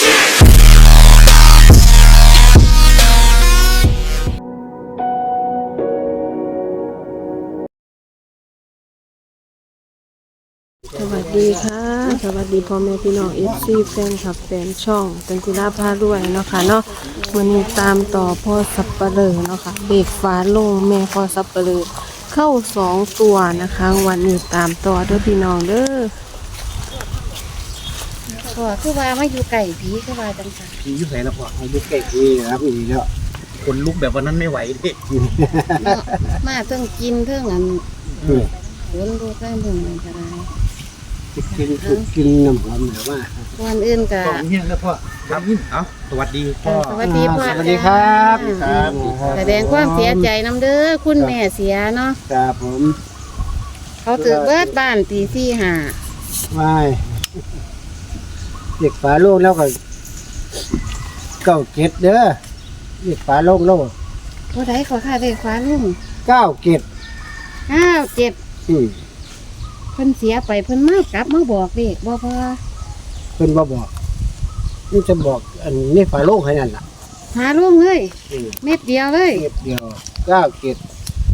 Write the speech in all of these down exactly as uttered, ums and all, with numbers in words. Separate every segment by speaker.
Speaker 1: สวัสดีค่ะสวัสดีพ่อแม่พี่น้องเอฟซีแฟนคลับแฟนช่องเป็นกุลาพาด้วยเนาะค่ะเนาะวันนี้ตามต่อพ่อสับปะเลอเนาะค่ะเด็กฟ้าลงแม่พ่อสับปะเลอเข้าสองตัวนะคะวันนี้ตามต่อด้วยพี่น้องเด้อ
Speaker 2: พ่อคือว่ามาอยู่ไก่ผีคือว่าจังซั่น
Speaker 3: ผีอยู่ไหนแล้วพ่อ
Speaker 4: อายุใกล้ที่ครับอีกแล้ว
Speaker 3: คนลุกแบบวันนั้นไม่ไหวดิ
Speaker 2: เนาะมาเทิงกินเทิงอัน
Speaker 4: อืม
Speaker 2: ฝนดูแป้งเบิ่งมันก็ได้
Speaker 4: กินคือกินน้ำหอมหรือว่า
Speaker 2: วันอื่นก็
Speaker 3: พ่อเฮี้ยงแล้วพ่อครับเอาสวัสดีพ่อ
Speaker 2: สวัสดีพ่อ
Speaker 4: สวัสดีครับ
Speaker 3: ครับ
Speaker 2: แสดงความเสียใจนำเด้อคุณแม่เสียเนาะ
Speaker 4: ครับผม
Speaker 2: เขาถือเบิดบ้านตีสี่ห้า
Speaker 4: ว่ายเด็กฝาโลกแล้วก็เก้าเกตเด้อเด็กฝาโลกโลก
Speaker 2: บ่ได้ขอค่าเลขฟ้าลุง
Speaker 4: เก้าเกต
Speaker 2: ห้าเจ็ด
Speaker 4: อืม
Speaker 2: เพิ่นเสียไปเพิ่นมากลับมาบอกเลขบ่พอ
Speaker 4: เพิ่นบ่บอกนี่จะบอกอันนี้ฝาโลกให้นั่นล่ะ
Speaker 2: หาลุงเลย
Speaker 4: อืม
Speaker 2: เม็ดเดียวเลย
Speaker 4: เกตเดียวเก้าเกต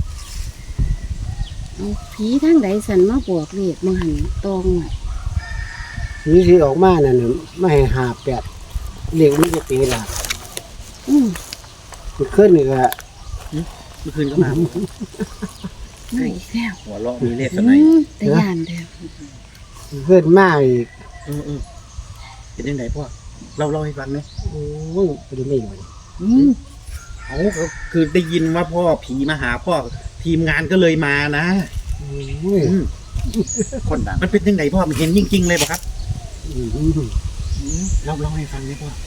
Speaker 2: เอาผีทางใดสันมาบอกเลขมาหันตองน่ะ
Speaker 4: สีสีออกมานั่นน่ะไม่ให้หาแปดเรียกมันจะตีละ
Speaker 2: อืม
Speaker 4: มันขึ้นนี่ก็
Speaker 3: เมื่อคืนก็มา
Speaker 2: ไม่อีกแล้ว
Speaker 3: หัวเราะมีเลขส
Speaker 2: อื
Speaker 3: ไน
Speaker 2: มแต่ย่านเด้อ
Speaker 4: มันขึ้นมาอีก
Speaker 3: เออเออเป็นยังไงพ่อเล่าเล่าให้ฟังไหม
Speaker 4: โอ้ยไปดูไม่อยู่
Speaker 2: อืม
Speaker 3: เอาก็คือได้ยินว่าพ่อผีมาหาพ่อทีมงานก็เลยมานะ
Speaker 4: โอ้ย
Speaker 3: อืมคนดังมันเป็นยังไงพ่อมันเห็นจริงๆเลยป่ะครับ
Speaker 4: อืม
Speaker 3: อืมเล่าเล่าให้ฟังไหมพ่อ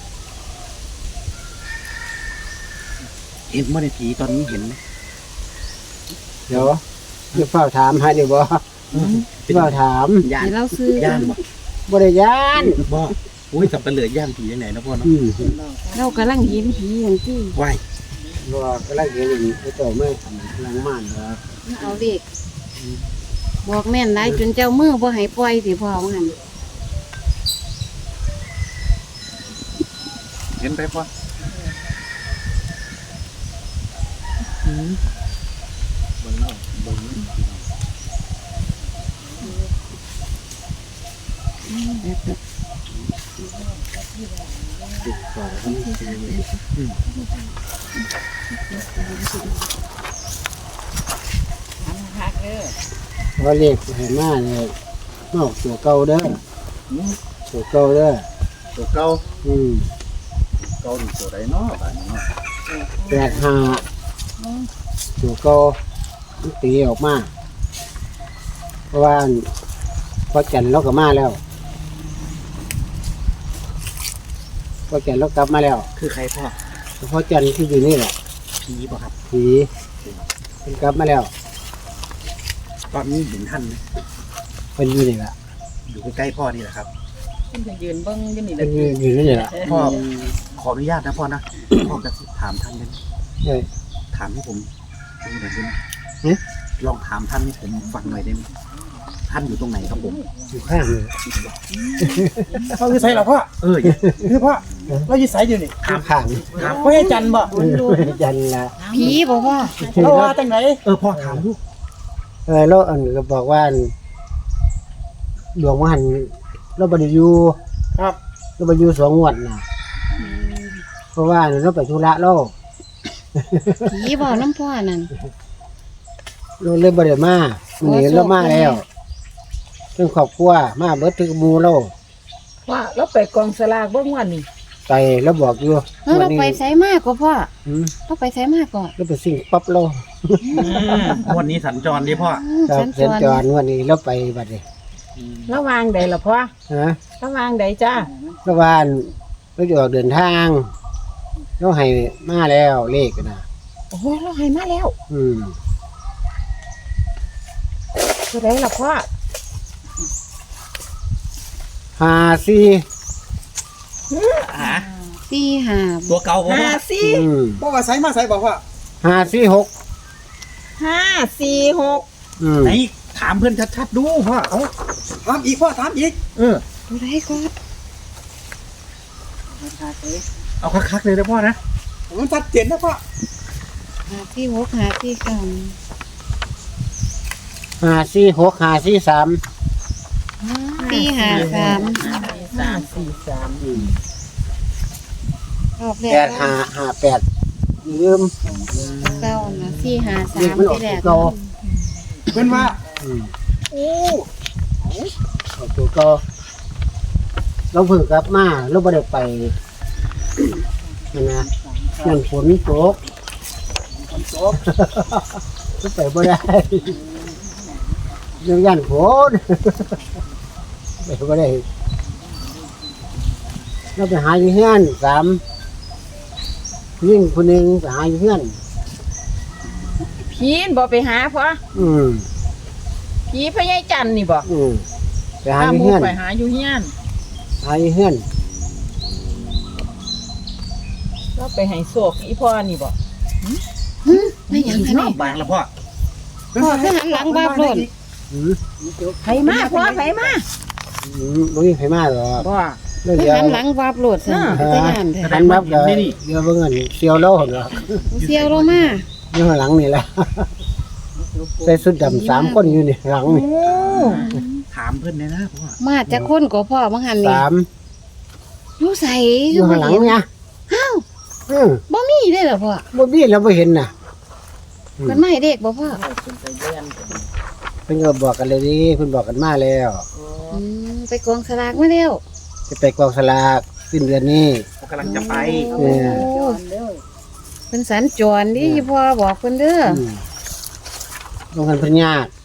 Speaker 3: เห็นเมื่อในผีตอนนี้เห็นไหม
Speaker 4: เดี๋ยวจะเฝ้าถามให้เดี๋ยวบ่
Speaker 3: เป็น
Speaker 4: เฝ้าถาม
Speaker 3: ย่าน
Speaker 2: ให้เราซื้อย่
Speaker 3: านบ่
Speaker 4: บริยาน
Speaker 3: บ่อุ้ยสับปะเหลือย่างผียังไงนะพ่อเนาะ
Speaker 4: อืม
Speaker 2: เรากำลังเห็นผีอย่างที่
Speaker 3: ไหว
Speaker 4: บ่ก็ไล่เห็นอย่างนี้ไอ้เจ้าไม่ทำลังม่านครับ
Speaker 2: เอาเด็กบอกแม่นหลายจนเจ้ามือบ่ให้ปล่อยสิพ่อว่าหั่น
Speaker 3: เห็นไปพ่อ
Speaker 4: เพราะเลขให้มาเนี่ยนอกตัวเก่าเด้อตัวเก่าเด้อ
Speaker 3: ตัวเก่า
Speaker 4: อืม
Speaker 3: เก่าดีตัวใดเนาะบ้านนี้เนาะ
Speaker 4: แปดห้าตัวเก่ามันตีออกมาเพราะว่าพอจันทร์เราก็มาแล้วพอจันทร์เรากลับมาแล้ว
Speaker 3: คือใครพ่อ
Speaker 4: พอจันทร์ที่อยู่นี่แหละ
Speaker 3: ผีป่ะครับ
Speaker 4: ผีมันกลับมาแล้ว
Speaker 3: ตอนนี้เห็นท่านไหม
Speaker 4: เป็นอยู่นี่แหละ
Speaker 3: อยู่ใกล้ๆพ่อนี่แหละครับ
Speaker 2: ยืนเบิ่งอยู่นี่แห
Speaker 4: เป็
Speaker 2: ละ
Speaker 4: นอยู่อยู่นี่แหละ
Speaker 3: พ่อขออนุญาตนะพ่อนะพ่อกระซิบถามท่านได้ไหม
Speaker 4: เอ้ย
Speaker 3: ถามให้ผมดูหน่อยได้ไหม
Speaker 4: หึ
Speaker 3: ลองถามท่านให้ผมฟังหน่อยได้ไหมท่านอยู่ตรงไหนครับผม
Speaker 4: อยู่ข้างเลย
Speaker 5: เขาคือไสเหรอพ่อ
Speaker 3: เอออย่า
Speaker 5: คือพ่อเราอยู่ไสอยู่นี่
Speaker 4: อยู่ข้าง
Speaker 3: ถาม
Speaker 5: พ่อให้จันบ่
Speaker 4: เออจันทร์ละ
Speaker 2: ผีบ่พ่อ
Speaker 5: เราว่าจังไหน
Speaker 3: เออพ่อถามลูก
Speaker 4: เออแล้วอันก็บอกว่าหลวงมหันเราบริยู
Speaker 5: ครับ
Speaker 4: เราบริยูสองงวดนะเพราะว่าเราไปธุระเรา
Speaker 2: ผีบ่น้ำพ่อนั่น
Speaker 4: เราเลยบริมาวันนี้เรามาแล้วเรื่องครอบครัวมาเบิดถึงหมูเรา
Speaker 5: ว่าเราไปกองสลากเบิ่งวันนี้
Speaker 4: ไปแล้วบอกอยู่
Speaker 2: เออเราไปไสมากกว่าพ่อ
Speaker 4: อืม
Speaker 2: เราไปไสมากกว่า
Speaker 4: เราไปสิ่งปั๊บเรา
Speaker 3: วันนี้สัญจรดิพ่อ
Speaker 4: ครับ
Speaker 2: สัญ
Speaker 4: เส้น
Speaker 2: จ
Speaker 4: จ
Speaker 2: ร
Speaker 4: รวันนี้เราไปบัดนี้
Speaker 5: ระวางใดล่ะพ่อ
Speaker 4: ฮะ
Speaker 5: ระวางใดจ้า
Speaker 4: ระหว่างเราจะออกเดินทางเราให้มาแล้วเลขนะ
Speaker 5: โอ้โหเราให้มาแล้ว
Speaker 4: อืม
Speaker 5: ตัวใดล่ะพ่อ
Speaker 4: ห้าสี่
Speaker 3: หา
Speaker 2: สี่ห้า
Speaker 3: ตัวเก่าผม
Speaker 5: ห้า
Speaker 3: ว่า
Speaker 5: สี่
Speaker 4: อืม
Speaker 5: บอกว่าไสมาไสบอกว่า
Speaker 4: ห้าสี่หก
Speaker 5: ห้าสี่หก
Speaker 4: อืม
Speaker 3: ไหนถามเพื่อนชัดๆดูพ่อเอา
Speaker 5: ถามอีกพ่อถามอีก
Speaker 3: เออ
Speaker 2: ตัวใดก่อน
Speaker 3: เอาคักๆเลยนะพ่อนะ
Speaker 5: มันชัดเจนนะพ่อ
Speaker 2: หาที่หกหาที่เก้า
Speaker 4: ห้าสี่หกห้าสี่สาม
Speaker 2: สี่หาสาม
Speaker 5: สามสี่สาม
Speaker 2: รอบแร
Speaker 4: แป
Speaker 2: ก
Speaker 4: ดห้าห้าแปดลืม
Speaker 2: เก้านะสี่หาสา
Speaker 4: เด็ก
Speaker 2: ม
Speaker 4: มันออก
Speaker 2: ที่แร
Speaker 4: ตัว
Speaker 2: ก
Speaker 4: เก่า
Speaker 5: เพิ่นว่า
Speaker 4: อืม
Speaker 5: โอ้
Speaker 4: ออกตัวเก่าเราเพิ่งกลับมาเราไม่ได้ไปนั่นนะนั่นฝนตก
Speaker 5: คนโต
Speaker 4: ก็ไปไม่ได้ยังยันฝนไปไม่ได้เราไปหาอยู่เฮือนสามยิ่งคนหนึ่งไปหาอยู่เฮือน
Speaker 5: ผีนบ่ไปหาพ่อ
Speaker 4: อืม
Speaker 5: ผีพญายจันทร์นี่บ่
Speaker 4: อืมไปหา
Speaker 5: ถ้า
Speaker 4: อยู่
Speaker 5: หมู
Speaker 4: เฮือน
Speaker 5: ไปหาอยู่เฮียน
Speaker 4: หาอยู่เฮือน
Speaker 5: ก็ไปให้โศกอีพ่อนี่บ่
Speaker 2: ไม่หยังคะนี่
Speaker 3: บางแล้วพ่อ
Speaker 2: พ่อคือหันหลังบ้าโลด
Speaker 4: อืม
Speaker 5: ไผมาพ่อไผมา
Speaker 4: อืมไม่มีใครมาหรอก
Speaker 5: บ่
Speaker 4: เรื่อง
Speaker 2: คือ
Speaker 4: เดียว
Speaker 2: หันหลังบ้าโลดซั่นไปแต่งานแท้
Speaker 4: หันมาก็เดี๋ยวเบิ่งอันเสียวเล่าหรอก
Speaker 2: เสียวลงมา
Speaker 4: อยู่ข้างหลังนี่แหละใส่ชุดดำสามคนอยู่นี่หลัง
Speaker 5: โอ้
Speaker 4: นี่
Speaker 3: ถามเพื่อนเลยนะพ่อ
Speaker 2: มาจากคนก็พ่อบังหันนี่
Speaker 4: สาม
Speaker 2: อยู่ใส่
Speaker 4: อยู่ข้างหลังเนี่ย
Speaker 2: อ้าว
Speaker 4: อืม
Speaker 2: บ่มีได้เหรอพ่อ
Speaker 4: บ่มีเราบ่เห็นน่ะ
Speaker 2: มันไม่เด็กบ่พ่อ
Speaker 4: เพิ่นก็บอกกันเลยดิเพิ่นบอกกันมาแล้ว
Speaker 2: อืมไปกองสลากมาแล้ว
Speaker 4: จะไปกองสลากสิ้นเดือนนี้
Speaker 3: เขากำลังจะไป
Speaker 2: โอ้เป็นสัญจรดิพ่อบอกเพิ่นเด้อ
Speaker 4: อืมลงกันเพิ่นยาก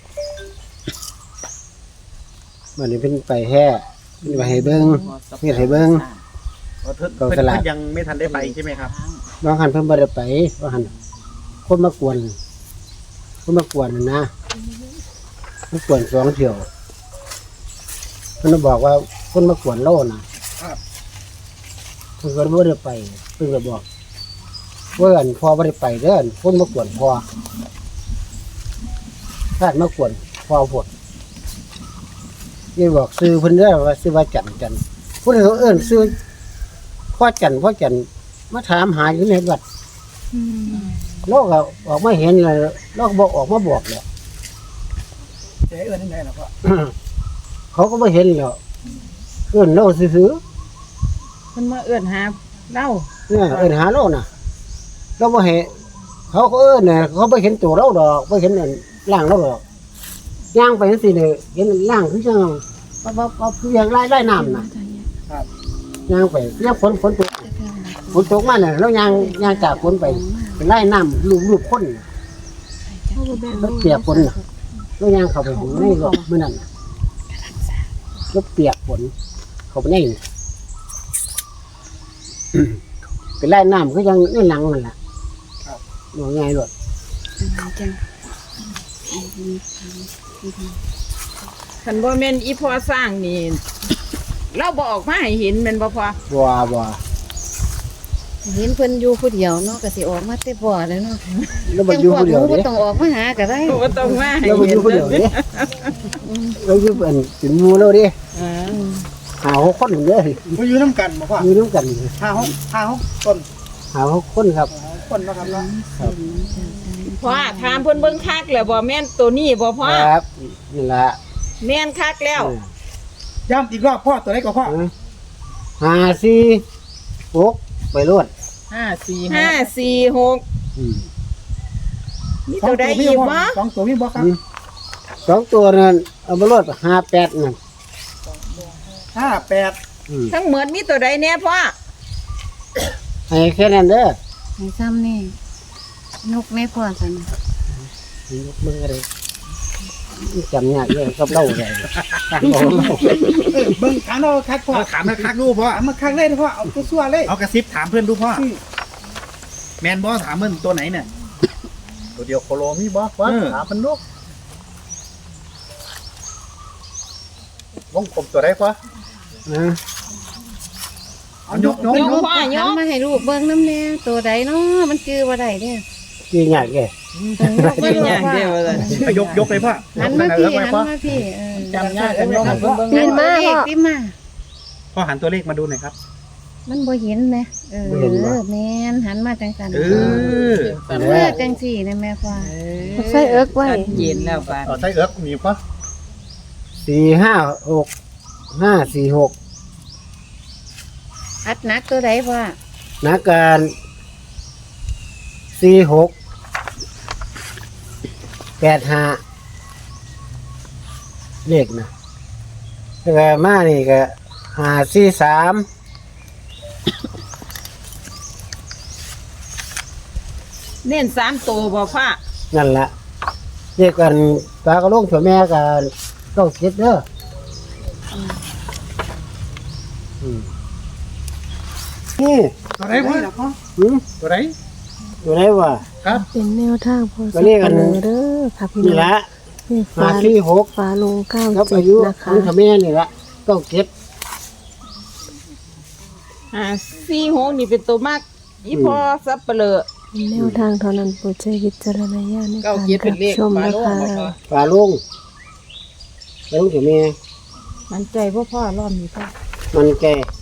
Speaker 4: วันนี้เพิ่นไปแฮ่เพิ่นไปให้เบิ่งเฮ็ดให้เบิ่ง
Speaker 3: เพื่อน
Speaker 4: กองสลาก
Speaker 3: ยังไม่ทันได้ไปใช่ไหมครับ
Speaker 4: บางหันเพิ่นบ่ได้ไปบางหันคนมากวนคนมากวนนั่นนะมากวนสองเที่ยวเพิ่นบอกว่าคนมากวนโลน่ะเพิ่นก็บ่ได้ไปเพิ่นก็บอกว่าอันพ่อบ่ได้ไปเด้อคนมากวนพ่อถ้ามากวนพ่อพดนี่บอกซื้อเพิ่นเด้อว่าซื้อว่าจันจันผู้ใดเขาเอิ้นซื้อพ่อจันพ่อจันมาถามหาอยู่ในวัดเราก็ออกมาเห็นเลยเราก็บอกออกมาบอกเลย
Speaker 5: เจ๊เอิ้นได้ล่ะพ่อ
Speaker 4: เขาก็ไม่เห็นหรอกเอิ้นเราซื้อ
Speaker 5: เพิ่นมาเอิ้นหาเล่า
Speaker 4: ๆเนี่ยเอิ้นหาเราน่ะเราไม่เห็นเขาก็เอิ้นเนี่ยเขาไม่เห็นตัวเราดอกไม่เห็นอันร่างเราดอกย่างไปนั่นสิเนี่ยเห็นร่างคือจังปั๊บปั๊บปั๊บคืออย่างไล่ไล่น้ำน่ะย่างไปย่างฝนฝนตกฝนตกมาเนี่ยแล้วย่างย่างจากฝนไปเป็นไล่น้ำลูบลูบคนน่ะแล้วเปียกฝนน่ะแล้วย่างเข้าไปถึงในรถเมื่อนั้นน่ะแล้วเปียกฝนเข้าไปในนี่ เป็นไล่น้ำก็ยังในหลังนั่นแหละหน่วยไงด้วย
Speaker 2: จัง
Speaker 5: คันบ่แม่นอีพ่อสร้างนี่เราบ่ออกมาให้เห็นแม่นบ่พ่อ
Speaker 4: บัวบัว
Speaker 2: เห็นเพิ่นอยู่ผู้เดียวเนาะก็สิออกมาแต่บ่แล้วเนาะ
Speaker 4: แล้วมันอยู่คนเดียว
Speaker 2: บ่
Speaker 4: เนี่ย
Speaker 2: ต้องออกมาหาก็ได้
Speaker 5: บ่ต้องมาให้
Speaker 4: แล้วมันอ
Speaker 5: เห็น
Speaker 4: ยู่คนเดียวเนี่ยเราอยู่เป็นถึงมูแล้วดิ
Speaker 5: อ่า
Speaker 4: หาหกคนเด้อ
Speaker 3: มาอยู่น้ำกันบ่พ่อ
Speaker 4: อยู่น้ำกัน
Speaker 3: ห้าหกห้าหกต้น
Speaker 4: หาหกคนครับ
Speaker 3: คนนะครับเนาะ
Speaker 5: พ่อถามเพิ่นเบิ่งคักแล้วบ่แม่นตัวนี้บ่พ่อ
Speaker 4: ครับนี่แหละ
Speaker 5: แม่นคักแล้ว
Speaker 3: ย้ำอีกรอบพ่อตัวไหนก็พ่อ
Speaker 4: หาสี่หกไปรวด
Speaker 5: ห้าสี่ห้าสี่หก
Speaker 4: อืม
Speaker 5: มีตัวใดอีกบ่
Speaker 3: สองตัวมีบ่ครับ
Speaker 4: สองตัวนั้นเอาไปรวดห้าแปดนั่น
Speaker 3: ห้าแปด
Speaker 4: อืม
Speaker 5: ทั้งหมดมีตัวใดแน่พ่อ
Speaker 4: ให้แค่นั้นเด้อ
Speaker 2: ให้ซ้ำนี่นกแม่พ่อซั่น
Speaker 4: ยกมือเลยจำยากเลยกับเล่าเลยตั้งเอาเล่า
Speaker 3: เออเบิ่งถามเราคักพ่อถามมาคักดูพ่อถามมาคักเลยนะพ่อเอาตัวซั่วเลยเอากระซิบถามเพื่อนดูพ่อแมนบอถามเพื่อนตัวไหนเนี่ยตัวเดียวโคโลมีบอวะถามมันลูกวงกลมตัวไหนพ่อ
Speaker 4: นะ
Speaker 3: เอายกยก
Speaker 5: ย
Speaker 3: ย
Speaker 5: ก
Speaker 3: ก
Speaker 5: พ่อย
Speaker 2: หัน
Speaker 5: ก
Speaker 2: มาให้ลูกเบิ่งน้ำแน่ตัวใดเนาะมันจือบ่ได้เด้อ
Speaker 4: ยี่ยากเลย
Speaker 5: ยกอย่างเดียวเลย
Speaker 3: ยกยกเลยพ่อ
Speaker 2: หันมาพี่หันมาพี่เออ
Speaker 5: จำยากกันยกเบิ่ง
Speaker 2: เงินมาพ่อพี่มา
Speaker 3: พ่อหันตัวเลขมาดูหน่อยครับ
Speaker 2: มันบ่เห็นไหมเออ
Speaker 4: บ่เห็นบ่
Speaker 2: แม่นหันมาจังสัน
Speaker 3: เออ
Speaker 2: เมื่อจังสี่นะแม่พ่อ
Speaker 1: ใส่เอิกไว้
Speaker 5: ชัดเย็นแล้วบาด
Speaker 3: เอาใส่เอิกมีป่ะ
Speaker 4: สี่ห้าหกห้าสี่หก
Speaker 2: อัดหนักตัวใดพ่อ
Speaker 4: นักการสี่หกแปดห้าเลขนะแล้วก็มานี่ก็ห้าสี่สาม
Speaker 5: เน้นสามตัวบ่พ่อ
Speaker 4: นั่นละเลขกันปลากระโลงถั่วแม่กันต้องคิดเด้ออืมนี่
Speaker 3: ตัวไหนพ่อ
Speaker 4: หืม
Speaker 3: ตัวไหน
Speaker 4: อยู่ไหนวะ
Speaker 3: ครับ
Speaker 1: เป็นแนวทางพอ
Speaker 4: ก็
Speaker 1: สับ
Speaker 4: เรียก
Speaker 1: ปะ
Speaker 4: กัน
Speaker 1: เลอเด้อค่ะพี่
Speaker 4: นี่
Speaker 1: น้อง
Speaker 4: ละ
Speaker 1: นี่
Speaker 4: ห้า
Speaker 1: ฟ้า
Speaker 4: สี่หก
Speaker 1: ฟ้าลงเก้า
Speaker 4: กับ
Speaker 1: เจ็
Speaker 4: อา
Speaker 1: ด
Speaker 4: ยุ
Speaker 1: นะ
Speaker 4: ขอ
Speaker 1: คะ
Speaker 4: งถั่วแม่นี่ละต้องคิด
Speaker 5: อ่าสี่หกนี่เป็นตัวมากอีพอสับเปลือ
Speaker 1: เป็นแนวทางเท่านั้นโปรดใช้วิจารณญาณใน
Speaker 5: เก้า
Speaker 1: การ
Speaker 5: เจ็ดเป็
Speaker 1: รั
Speaker 5: น
Speaker 1: บ
Speaker 5: เลข
Speaker 1: ชม
Speaker 5: ฝา
Speaker 1: นะ
Speaker 5: โลง
Speaker 1: คะ
Speaker 5: บ่พ่อ
Speaker 4: ปลาลุงปลาลุงถั่วแม่
Speaker 5: มันใจพ่อพ่อรอบนี้พ่อ
Speaker 4: มันแก่